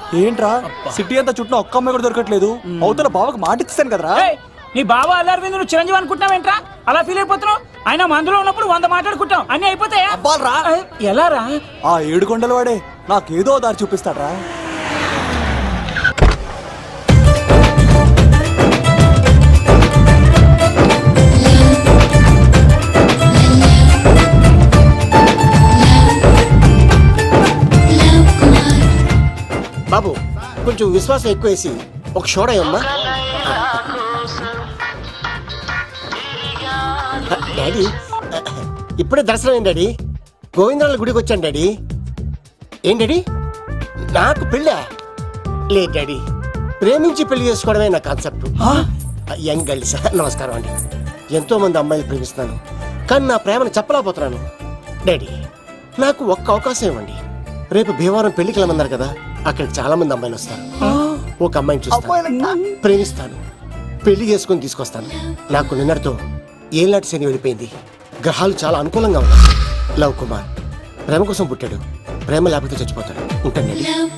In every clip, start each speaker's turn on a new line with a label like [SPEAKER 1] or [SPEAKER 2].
[SPEAKER 1] ఏంట్రా సిటీ అంతా చుట్టూ ఒక్క అమ్మాయి కూడా దొరకట్లేదు. అవతల బావకు మాట ఇస్తాను కదరా.
[SPEAKER 2] నీ బావ అల్లరి మీద నువ్వు చిరంజీవి అనుకుంటున్నావేంట్రా? అలా ఫీల్ అయిపోతున్నావు. ఆయన మందులో ఉన్నప్పుడు 100 మాట్లాడుకుంటాం, అన్ని అయిపోతాయా?
[SPEAKER 1] అబ్బాల్రా
[SPEAKER 2] ఎలా రా?
[SPEAKER 1] ఆ 7 కొండల వాడే నాకేదో దారి చూపిస్తాడ్రా.
[SPEAKER 3] బాబు కొంచెం విశ్వాసం ఎక్కువేసి ఒక షోడయమ్మా. డాడీ ఇప్పుడే దర్శనం అయింది డాడీ. గోవిందరాల గుడికి వచ్చాను డాడీ. ఏం డాడీ నాకు పెళ్ళా? లేదు డాడీ, ప్రేమించి పెళ్లి చేసుకోవడమే నా కాన్సెప్ట్. యంగ్ గర్ల్స్ నమస్కారం అండి. ఎంతో మంది అమ్మాయిలు ప్రేమిస్తున్నాను, కానీ నా ప్రేమను చెప్పలేకపోతున్నాను. డాడీ నాకు ఒక్క అవకాశం ఇవ్వండి. రేపు భీమవరం పెళ్లికి వెళ్ళమన్నారు కదా, అక్కడికి చాలా మంది అమ్మాయిలు వస్తారు. ఒక అమ్మాయిని చూస్తాను, ప్రేమిస్తాను, పెళ్లి చేసుకుని తీసుకొస్తాను. నాకు నిన్నటితో ఏళ్ళనాటి శని వెళ్ళిపోయింది. గ్రహాలు చాలా అనుకూలంగా ఉన్నాయి. లవ్ కుమార్ ప్రేమ కోసం పుట్టాడు, ప్రేమ లేకపోతే చచ్చిపోతాడు. ఉంటాను.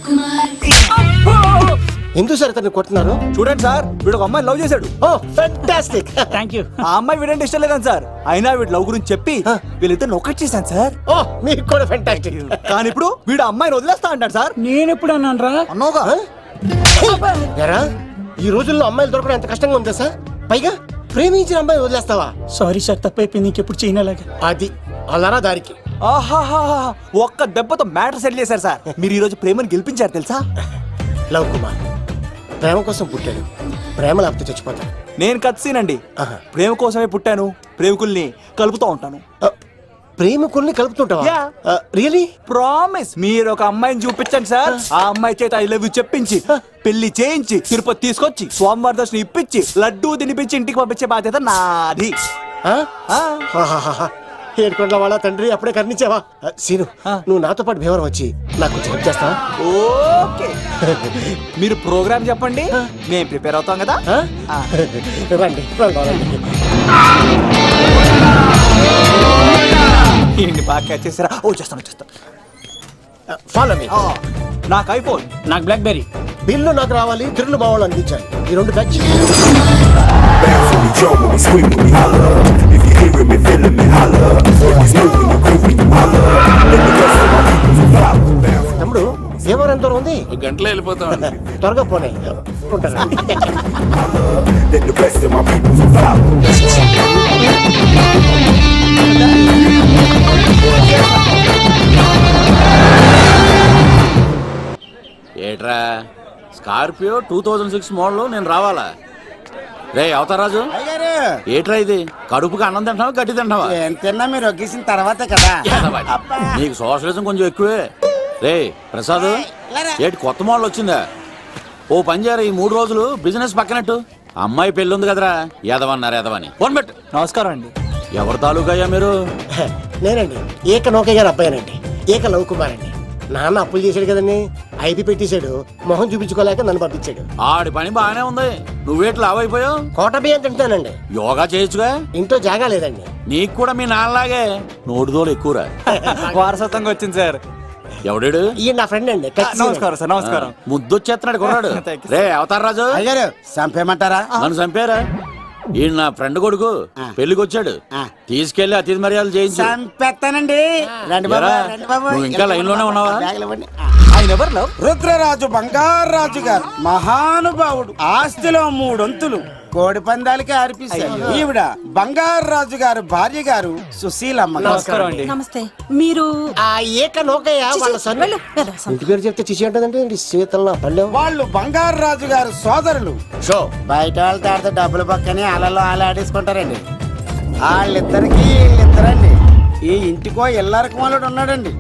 [SPEAKER 3] ఎందుకు సార్ తను కొట్టున్నారు?
[SPEAKER 1] చూడండి సార్, వీడు ఒక అమ్మాయి లవ్ చేశాడు.
[SPEAKER 3] Oh fantastic,
[SPEAKER 2] thank you.
[SPEAKER 1] ఆ అమ్మాయి వీడంటే ఇష్టం లేదని సార్, అయినా వీడు లవ్ గురించి చెప్పి వీళ్ళిద్దరు ఒకటి చేశాను సార్.
[SPEAKER 3] ఓ మీకు కూడా ఫెంటాస్టిక్.
[SPEAKER 1] కానీ ఇప్పుడు వీడు అమ్మాయిని వదిలేస్తా అంటాడు సార్.
[SPEAKER 2] నేను ఎప్పుడు అన్నాను రా?
[SPEAKER 1] అన్నోగా
[SPEAKER 3] ఎరా ఈ రోజుల్లో అమ్మాయిలు దొరకడం ఎంత కష్టంగా ఉందా సార్? పైగా ప్రేమించిన అమ్మాయి వదిలేస్తావా?
[SPEAKER 2] సారీ సార్, తప్పైపోయింది. ఇంకెప్పుడు చేయనలాగా.
[SPEAKER 3] అది అలారా దారికి.
[SPEAKER 1] ఆహాహా, ఒక్క దెబ్బతో మ్యాటర్ సెటిల్ చేశారు సార్. మీరు ఈ రోజు ప్రేమను గెలిపించారు తెలుసా?
[SPEAKER 3] లవ్ కుమార్ ప్రేమ కోసం పుట్టాడు, ప్రేమ లేకపోతే చచ్చిపోతాడు.
[SPEAKER 1] నేను కత్సీనండి. ప్రేమ కోసమే పుట్టాను, ప్రేమికుల్ని కలుపుతూ ఉంటాను.
[SPEAKER 3] ప్రేమికుల్ని కలుపుతుంటావా? రియలీ?
[SPEAKER 1] ప్రామిస్. మీరు ఒక అమ్మాయిని చూపించండి సార్, ఆ అమ్మాయి చేత ఐ లవ్ యూ చెప్పించి పెళ్లి చేయించి తిరుపతి తీసుకొచ్చి స్వామివారి దర్శనం ఇప్పించి లడ్డూ తినిపించి ఇంటికి పంపించే బాధ్యత నాది.
[SPEAKER 3] ఏడుకొండల వాళ్ళ తండ్రి అప్పుడే కర్ణించావా? సీను నువ్వు నాతో పాటు భీమవరం వచ్చి నాకు కొంచెం హెల్ప్ చేస్తావా?
[SPEAKER 1] ఓకే, మీరు ప్రోగ్రామ్ చెప్పండి, మేము ప్రిపేర్ అవుతాం కదా.
[SPEAKER 3] రండి
[SPEAKER 1] ఏంటి బాగా క్యాచ్ చేసారా? ఓ చేస్తాను.
[SPEAKER 3] Follow me.
[SPEAKER 1] నాకు ఐఫోన్,
[SPEAKER 2] నాకు బ్లాక్ బెర్రీ.
[SPEAKER 3] బిల్లు నాకు రావాలి, తిరులు మా వాళ్ళు అందించాలి. ఈ రెండు బ్యాచ్. తమ్ముడు భీమవరం ఎంత దూరం ఉంది?
[SPEAKER 4] గంటలో వెళ్ళిపోతాం.
[SPEAKER 3] త్వరగా పోనీ. ఉంటాను.
[SPEAKER 4] ఏట్రా స్కార్పియో 2006 మోడల్ నేను రావాలా? రే అవతారాజు, ఏట్రా ఇది? కడుపుకి అన్నం తింటావా గడ్డి తింటావా?
[SPEAKER 5] తిన్నా మీరు ఒగ్గేసిన తర్వాతే కదా.
[SPEAKER 4] నీకు సోషలిజం కొంచెం ఎక్కువే. రే ప్రసాద్, ఏటి కొత్త మోడల్ వచ్చిందా? ఓ పని చేయరా, ఈ 3 రోజులు బిజినెస్ పక్కనట్టు. అమ్మాయి పెళ్ళి ఉంది కదరా, ఎదవన్నారు ఎదవని ఫోన్ పెట్టు.
[SPEAKER 1] నమస్కారం అండి.
[SPEAKER 4] ఎవరి తాలూకా అయ్యా మీరు?
[SPEAKER 3] నేనండి ఏక నౌకే గారు అబ్బాయినండి, ఏక లవ్ కుమార్ అండి. నాన్న అప్పులు చేశాడు కదండి, ఐపీ పెట్టేశాడు. మొహం చూపించుకోలేక నన్ను పంపించాడు.
[SPEAKER 4] ఆడి పని బాగానే ఉంది, నువ్వేట్లు లావైపోయావు?
[SPEAKER 3] కోట బియ్యం తింటానండి.
[SPEAKER 4] యోగా చేయొచ్చుగా?
[SPEAKER 3] ఇంట్లో జాగా లేదండి.
[SPEAKER 4] నీకు కూడా మీ నాన్నలాగే నోటిదోలు ఎక్కువరా.
[SPEAKER 1] వారసత్వంగా వచ్చింది సార్.
[SPEAKER 4] ఎవడాడు?
[SPEAKER 3] ఈయన నా ఫ్రెండ్ అండి.
[SPEAKER 1] నమస్కారం సార్. నమస్కారం.
[SPEAKER 4] ముద్దొచ్చేస్తున్నాడు కొన్నాడు. రే అవతార్ రాజు,
[SPEAKER 5] అయ్యారు చంపేయమంటారా?
[SPEAKER 4] నన్ను చంపారా? ఈయన నా ఫ్రెండ్ కొడుకు పెళ్లికి వచ్చాడు, తీసుకెళ్లి అతిథి మర్యాదలు చేయించు.
[SPEAKER 5] చంపేస్తానండి. రండి బాబు, రండి బాబు.
[SPEAKER 4] నువ్వు ఇంకా లైన్ లోనే ఉన్నావా?
[SPEAKER 1] ఆయన ఎవరు లవ్?
[SPEAKER 5] రుద్రరాజు బంగారాజు గారు మహానుభావుడు. ఆస్తిలో 3 వంతులు కోడి పందాలకి అర్పిస్తారు. ఈవిడ బంగారాజు గారు భార్య గారు సుశీలమ్మ.
[SPEAKER 1] నమస్కారం అండి.
[SPEAKER 6] నమస్తే. మీరు
[SPEAKER 3] ఆ ఏక నౌకయ్య వాళ్ళ సన్. ఇంటి పేరు చెప్తే చిచి అంటదంటే శీతల పల్లె.
[SPEAKER 5] వాళ్ళు బంగారాజు గారు సోదరులు.
[SPEAKER 4] షో
[SPEAKER 5] బయట వాళ్ళతో ఆడితే డబ్బులు పక్కనే అలలో ఆడేసుకుంటారండి. వాళ్ళిద్దరికి వీళ్ళిద్దరండి. ఈ ఇంటికో ఇల్లరకమాలుడు ఉన్నాడండి.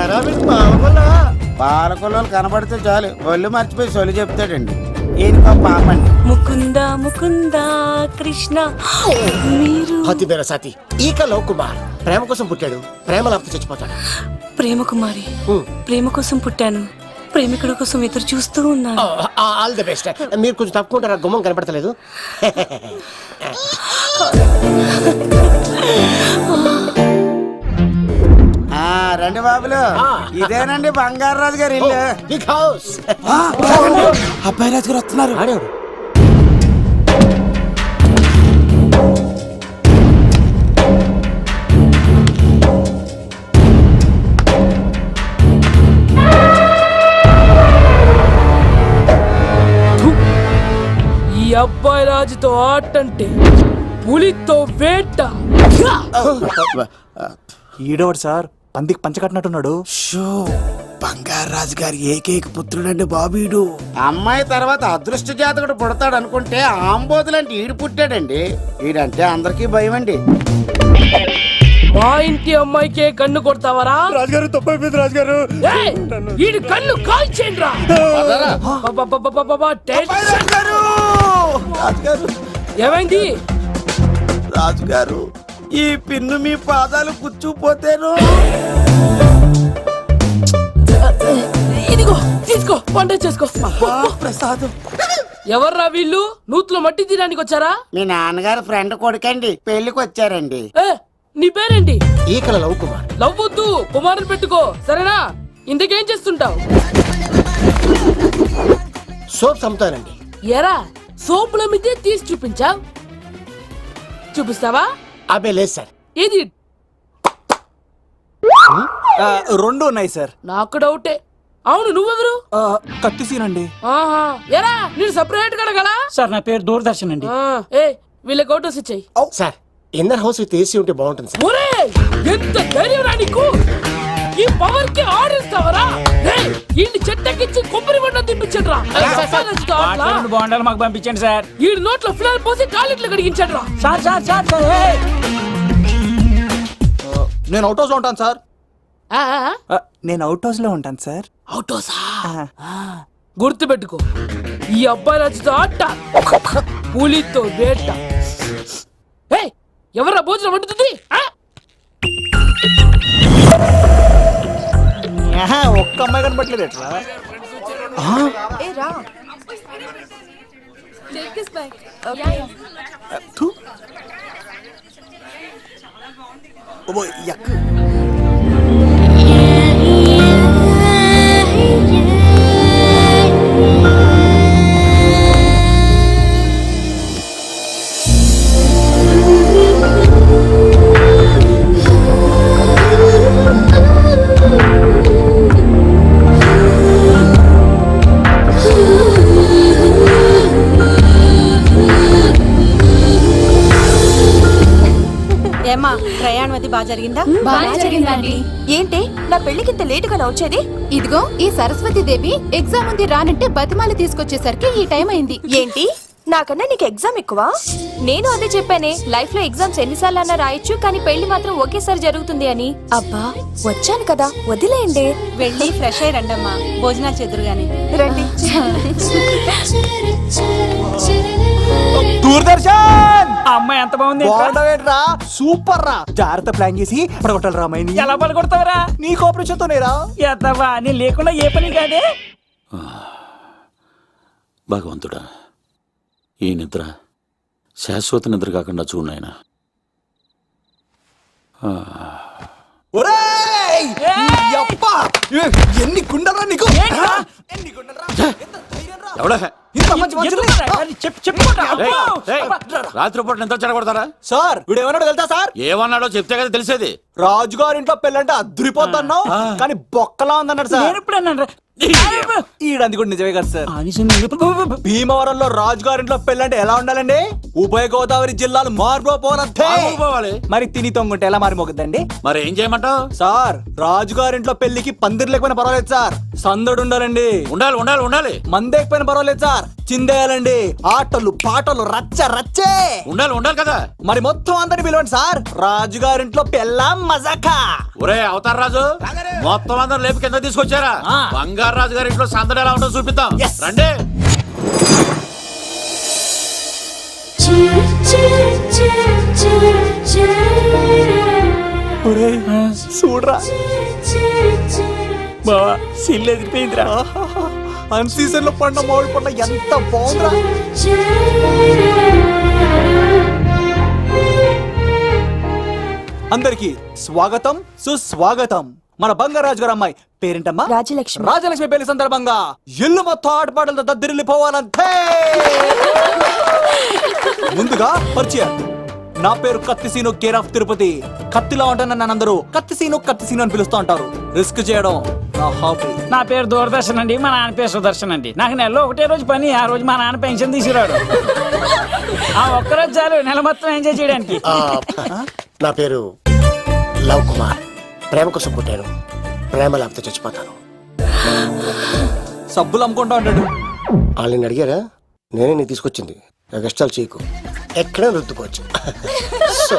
[SPEAKER 5] పాలకొల్లు కనబడితే చాలు ఒళ్ళు మర్చిపోయి సొలి చెప్తాడండి. ఈయనకో పాపండి.
[SPEAKER 6] ముకుంద ముకుంద కృష్ణ. మీరు
[SPEAKER 3] హతి బేర సాతి ఈక లవ్ కుమార్ ప్రేమ కోసం పుట్టాడు, ప్రేమ లేకపోతే చచ్చిపోతాడు.
[SPEAKER 6] ప్రేమ కుమారి. ప్రేమ కోసం పుట్టాను, ప్రేమికుడు కోసం ఎదురు చూస్తూ ఉన్నాను.
[SPEAKER 3] All the best. మీరు కొంచెం తప్పుకుంటారా? గుమ్మం కనపడతలేదు.
[SPEAKER 5] రండి బాబులు ఇదేనండి బంగారాజు గారి ఇల్లు
[SPEAKER 3] బిగ్ హౌస్.
[SPEAKER 1] అబ్బాయి రాజు గారు వస్తున్నారు.
[SPEAKER 3] ఆడేవాడు
[SPEAKER 7] ఈ అబ్బాయి రాజుతో ఆటంటే పులితో వేట.
[SPEAKER 1] ఈడోడు సార్ పందికి పంచ కట్టినట్టున్నాడు.
[SPEAKER 5] బంగారాజు గారి ఏకైక పుత్రుడండి బాబీడు. అమ్మాయి తర్వాత అదృష్ట జాతకుడు పుడతాడు అనుకుంటే ఆంబోతులంటే ఈడు పుట్టాడండి. ఈడంటే అందరికీ భయం అండి.
[SPEAKER 7] మా ఇంటి అమ్మాయికే కన్ను కొడతావరా?
[SPEAKER 1] రాజుగారు తప్పైపోయింది రాజుగారు.
[SPEAKER 7] ఏయ్, ఈడి కన్ను కాల్చేయండిరా.
[SPEAKER 5] రాజుగారు
[SPEAKER 7] ఏమైంది?
[SPEAKER 5] రాజుగారు ఈ పిన్ను మీ పాదాలు కూర్చుపోతేను.
[SPEAKER 7] ఇదిగో తీసుకో, వంట చేసుకో.
[SPEAKER 5] ప్రసాదం.
[SPEAKER 7] ఎవర్రా వీళ్ళు? నూతులో మట్టి తీయడానికి వచ్చారా?
[SPEAKER 5] మీ నాన్నగారు ఫ్రెండ్ కొడుకండి, పెళ్లికి వచ్చారండి.
[SPEAKER 7] ఏ, నీ పేరేంటి?
[SPEAKER 3] ఈకల లవ్ కుమార్.
[SPEAKER 7] లవ్వొద్దు, కుమారుని పెట్టుకో, సరేనా? ఇంతకేం చేస్తుంటావు?
[SPEAKER 3] సోప్స్ అమ్ముతానండి.
[SPEAKER 7] ఎరా సోపుల మీద తీసి చూపించావు, చూపిస్తావా?
[SPEAKER 3] అబ్బే లేదు సార్.
[SPEAKER 7] ఏది?
[SPEAKER 1] రెండు ఉన్నాయి సార్.
[SPEAKER 7] నాకు డౌటే. అవును, నువ్వెవరు?
[SPEAKER 1] కత్తి సీనండి.
[SPEAKER 7] ఆహా, ఎరా నేను సపరేట్ కడగల.
[SPEAKER 2] సార్ నా పేరు దూరదర్శన్ అండి.
[SPEAKER 7] ఏ వీళ్ళ ఫోటోస్ ఇచ్చాయి.
[SPEAKER 3] Sir inner house with AC ఉంటే బాగుంటుంది సార్.
[SPEAKER 7] ఒరే ఎంత ధైర్యం రా నీకు! ఈ పవర్ కి ఆడిస్తావరా? ఈ చెట్టెక్కించి కొబ్బరి బండ తిప్పించండి రా.
[SPEAKER 2] రెండు బాండాలు మాకు పంపించండి సార్.
[SPEAKER 7] ఈ నోట్లో ఫినాల్ పోసి టాయిలెట్లు కడిగించండి రా.
[SPEAKER 2] సార్ సార్ సార్ సార్ ఏయ్!
[SPEAKER 1] నేను అవుట్ హౌస్ లో ఉంటాను సార్.
[SPEAKER 7] ఆ, ఆ,
[SPEAKER 1] నేను అవుట్ హౌస్ లో ఉంటాను సార్.
[SPEAKER 7] అవుటోసా? గుర్తు పెట్టుకో, ఈ అబ్బాయి రాజుతో ఆట, పులితో వేట. ఏయ్, ఎవరా భోజనం వండుతుంది? ఆ?
[SPEAKER 1] ఒక్క అమ్మాయి కనపట్లేదు ఎట్లా? థు. ఓ, యక్.
[SPEAKER 8] ఏమ్మా ప్రయాణం అది బాగా జరిగిందా?
[SPEAKER 9] బాగా జరిగిందండి.
[SPEAKER 8] ఏంటి నా పెళ్లికి ఇంత లేటుగా వచ్చేది?
[SPEAKER 9] ఇదిగో ఈ సరస్వతి దేవి ఎగ్జామ్ ఉంది రానంటే బతిమాలి తీసుకొచ్చేసరికి ఈ టైం అయింది.
[SPEAKER 8] ఏంటి నాకన్నా నీకు ఎగ్జామ్ ఎక్కువ? నేను అదే చెప్పానే, లైఫ్ లో ఎగ్జామ్స్ ఎన్నిసార్లు అన్నా రాయొచ్చు, కానీ పెళ్లి మాత్రం ఒకేసారి జరుగుతుంది అని. అబ్బా వచ్చాను కదా, వదిలేయండి. వెళ్ళి ఫ్రెష్ అయ్యి రండమ్మా, భోజనాలు చెదురు గాని రండి.
[SPEAKER 1] దూరదర్శన్
[SPEAKER 2] ఆ అమ్మాయి ఎంత బాగుంది.
[SPEAKER 1] బాగుండవేట్రా? సూపర్ రా. జాగ్రత్త ప్లాన్ చేసి పడగొట్టాలి రామాయణి.
[SPEAKER 2] ఎలా పలుకొడతావరా?
[SPEAKER 1] నీ కోఆపరేషన్ తోనేరా.
[SPEAKER 2] ఎత్తవా, నేను లేకుండా ఏ పని కాదే.
[SPEAKER 4] భగవంతుడా, ఈ నిద్ర శాశ్వత నిద్ర కాకుండా చూడు నాయనా.
[SPEAKER 1] ఒరేయ్! యప్పా! ఎన్ని గుండెలరా నీకు? ఎన్ని గుండెలరా? ఎంత ధైర్యం రా?
[SPEAKER 4] ఎవడా
[SPEAKER 1] ఇంత మంచి మనుషుల్ని?
[SPEAKER 4] రాత్రిపూట నిద్ర చెడగొడతారా?
[SPEAKER 1] సార్ వీడు ఏమన్నాడు తెలుసా సార్?
[SPEAKER 4] ఏమన్నాడో చెప్తే కదా తెలిసేది.
[SPEAKER 1] రాజుగారింట్లో పెళ్ళంటే అద్దరిపోతున్నావు, కానీ బొక్కలా ఉందన్నాడు సార్.
[SPEAKER 2] నేను ఇప్పుడు అన్నాను రా.
[SPEAKER 1] ఈడంది కూడా నిజమే కదా సార్. భీమవరంలో రాజుగారింట్లో పెళ్ళంటే ఎలా ఉండాలండి? ఉభయ గోదావరి జిల్లాలు మారిపోవాలంటే
[SPEAKER 4] పోవాలి.
[SPEAKER 1] మరి తిని తొంగుంటే ఎలా మారిపోకద్దండి?
[SPEAKER 4] మరి ఏం చేయమంటావు?
[SPEAKER 1] సార్ రాజుగారింట్లో పెళ్లికి పందిరి లేకపోయినా పర్వాలేదు సార్, సందడు ఉండాలండి.
[SPEAKER 4] ఉండాలి ఉండాలి ఉండాలి.
[SPEAKER 1] మందేకపోయినా పర్వాలేదు సార్, చిందేయాలండి. ఆటలు పాటలు రచ్చ రచ్చే
[SPEAKER 4] ఉండాలి ఉండాలి కదా.
[SPEAKER 1] మరి మొత్తం అందరిని పిలవండి సార్, రాజుగారింట్లో పెళ్ళాం మజాకా.
[SPEAKER 4] ఒరే అవతార్ రాజు, మొత్తం అందరు లేపు కింద తీసుకొచ్చారా? బంగారు రాజు గారి ఇంట్లో సందడి ఎలా ఉంటుందో చూపిద్దాం. రండి.
[SPEAKER 1] చూడరా
[SPEAKER 2] బావా, సిల్లు ఎదిరిపోయిందిరా.
[SPEAKER 1] అన్ సీజన్ లో పడిన మామిడి పండ్ల ఎంత బాగుందిరా. అందరికి స్వాగతం సుస్వాగతం. మన బంగారాజు గారు అమ్మాయి పేరేంటమ్మా?
[SPEAKER 8] రాజలక్ష్మి.
[SPEAKER 1] రాజలక్ష్మి పెళ్లి సందర్భంగా ఇల్లు మొత్తం ఆటపాటలతో దద్దరిల్లిపోవాలంతే. ముందుగా పరిచయం. నా పేరు కత్తిసీను, కేర్ ఆఫ్ తిరుపతి. కత్తిలా ఉంటాను నన్ను అందరూ కత్తిసీను అని పిలుస్తూ ఉంటారు. రిస్క్ చేయడం నా హాబీ.
[SPEAKER 2] నా పేరు దూరదర్శన్ అండి, మా నాన్న పేరు సుదర్శన్ అండి. నాకు నెలలో ఒకటే రోజు పని, ఆ రోజు మా నాన్న పెన్షన్ తీసుకురాడు. ఆ ఒక్కరోజు చాలు నెల మొత్తం ఎంజాయ్ చేయడానికి.
[SPEAKER 3] నా పేరు లవ్ కుమార్. ప్రేమ కోసం పుట్టాను, ప్రేమ లేకపోతే చచ్చిపోతాను.
[SPEAKER 1] సబ్బులు అమ్ముకుంటా ఉంటాడు.
[SPEAKER 3] వాళ్ళని అడిగారా? నేనే నీ తీసుకొచ్చింది. కష్టాలు చేయకు, ఎక్కడైనా రుద్దుకోవచ్చు. సో,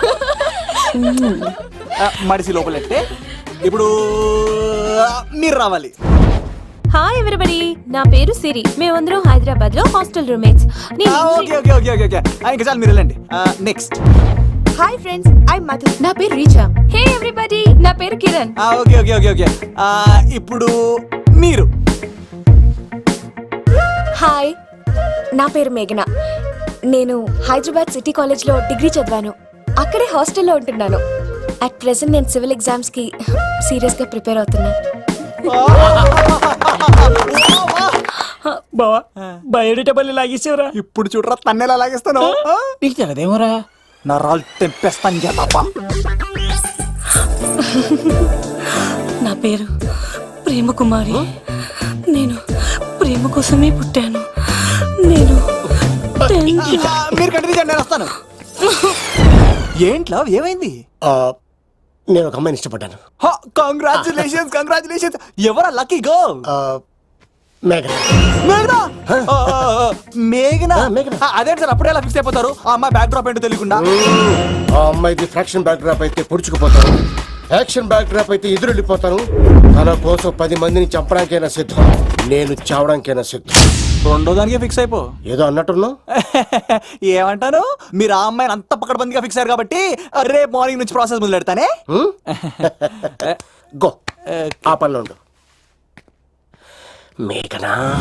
[SPEAKER 1] మడిసి లోపలెట్టే. ఇప్పుడు మీరు రావాలి.
[SPEAKER 8] హాయ్ ఎవరిబడి, నా పేరు సిరి. మేమందరం హైదరాబాద్ లో hostel roommates.
[SPEAKER 1] Okay okay okay okay okay ఇంకా చాలు, మీరు వెళ్ళండి. Next.
[SPEAKER 8] Hi friends, I Madhu.
[SPEAKER 9] నా పేరు రీచా.
[SPEAKER 8] హే ఎవ్రీబడి, నా పేరు Kiran.
[SPEAKER 1] Okay okay okay okay ఇప్పుడు మీరు.
[SPEAKER 8] హాయ్, నా పేరు మేఘన. నేను హైదరాబాద్ సిటీ కాలేజ్ లో డిగ్రీ చదివాను. అక్కడే హాస్టల్లో ఉంటున్నాను. అట్ ప్రెసెంట్ నేను సివిల్ ఎగ్జామ్స్ కి సీరియస్ గా ప్రిపేర్ అవుతున్నాను.
[SPEAKER 2] బావా బయోడేటా లాగేసేవరా?
[SPEAKER 1] ఇప్పుడు చూడరా తన్నేలా లాగేస్తాను.
[SPEAKER 2] నీకు తెలదేమోరా?
[SPEAKER 1] నా రాళ్ళు తెంపేస్తాను చేతప్ప.
[SPEAKER 6] నా పేరు ప్రేమ కుమారి. నేను ప్రేమ కోసమే పుట్టాను. నేను
[SPEAKER 1] మీరు కంటిన్యూ చేయండి, నేను వస్తాను. ఏంట్లో ఏమైంది?
[SPEAKER 3] నేను ఒక అమ్మాయిని ఇష్టపడ్డాను.
[SPEAKER 1] Congratulations congratulations. ఎవరా లక్కీ గర్ల్?
[SPEAKER 3] మేఘన.
[SPEAKER 1] మేఘనా? మేఘనా?
[SPEAKER 3] మేఘనా.
[SPEAKER 1] అదేంటి సార్, అప్పుడే ఎలా ఫిక్స్ అయిపోతారు? ఆ అమ్మాయి బ్యాక్ డ్రాప్ ఏంటో తెలియకుండా.
[SPEAKER 3] ఆ అమ్మాయిది ఫ్రాక్షన్ బ్యాక్ డ్రాప్ అయితే పొడుచుకుపోతాను, యాక్షన్ బ్యాక్ డ్రాప్ అయితే ఎదురెళ్ళిపోతాను. తన కోసం 10 మందిని చంపడానికైనా సిద్ధం, నేను చావడానికైనా సిద్ధం.
[SPEAKER 1] రెండో దానికే ఫిక్స్ అయిపో.
[SPEAKER 3] ఏదో అన్నట్టున్నావు.
[SPEAKER 1] ఏమంటాను? మీరు ఆ అమ్మాయిని అంత పక్కడబందిగా ఫిక్స్ అయ్యారు కాబట్టి రేపు మార్నింగ్ నుంచి ప్రాసెస్ మొదలు పెడతానే.
[SPEAKER 3] గో, ఆ పనిలో ఉండు. మేఘనా.